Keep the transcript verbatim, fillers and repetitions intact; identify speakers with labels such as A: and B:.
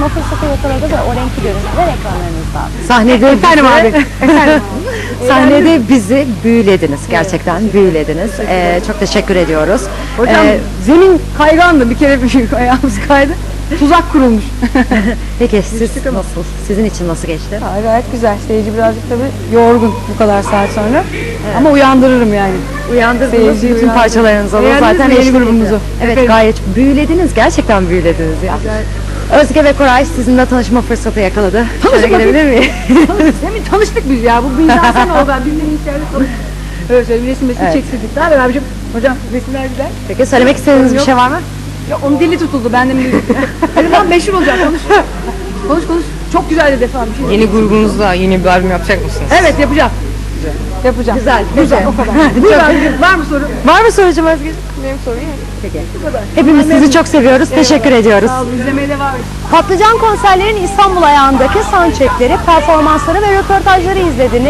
A: fırsatı yakaladı ve o renkli görüntüler ekranlarınızda.
B: Sahnede
C: Efendim
B: bizi-
C: abi. Efendim.
B: Sahnede bizi büyülediniz. Gerçekten büyülediniz. Ee, çok teşekkür ediyoruz.
C: Hocam
B: Ee,
C: zemin kaygandı, bir kere bir ayağımız kaydı. Tuzak kurulmuş.
B: peki siz nasıl? Sizin için nasıl geçti?
C: Ha, gayet güzel. Seyirci birazcık tabii yorgun bu kadar saat sonra. Ama uyandırırım yani.
B: Uyandırdınız
C: Seyirci
B: bütün
C: uyandırdı.
B: parçalarınızı da
C: Beğendiniz
B: zaten
C: mi yeni
B: eşlik
C: grubumuzu?
B: ediyor. Evet,
C: Efendim?
B: gayet büyülediniz. Gerçekten büyülediniz ya. Özge ve Koray sizinle tanışma fırsatı yakaladı. Şöyle
C: Tanışma
B: gelebilir miyim?
C: Demin tanıştık biz ya. Bu bizden sen oldu. Bizden içeride tanıştık. Evet, şöyle bir resim resim
B: Evet.
C: çektirdik. Daha beraber abicim. Hocam resimler güzel.
B: Peki söylemek istediğiniz bir
C: Yok.
B: şey var mı?
C: Ya onun dili tutuldu. Ben de mi dedim? Hadi lan meşhur olacak. Konuş. Konuş konuş. Çok güzel dedi falan bir şey.
D: Yeni grubunuzda yeni bir albüm yapacak mısınız?
C: Evet, yapacağım. Yapacağım.
B: Güzel,
C: Güzel.
B: güzel.
C: O kadar. Buyur abicim. Var mı soru?
B: Var mı sorucum Özge?
D: Benim sorum yok.
B: Peki. Hepimiz sizi çok seviyoruz. Teşekkür ediyoruz.
C: Sağ olun. İzlemeye devam edin.
A: Patlıcan konserlerin İstanbul ayağındaki soundcheckleri, performansları ve röportajları izlediniz.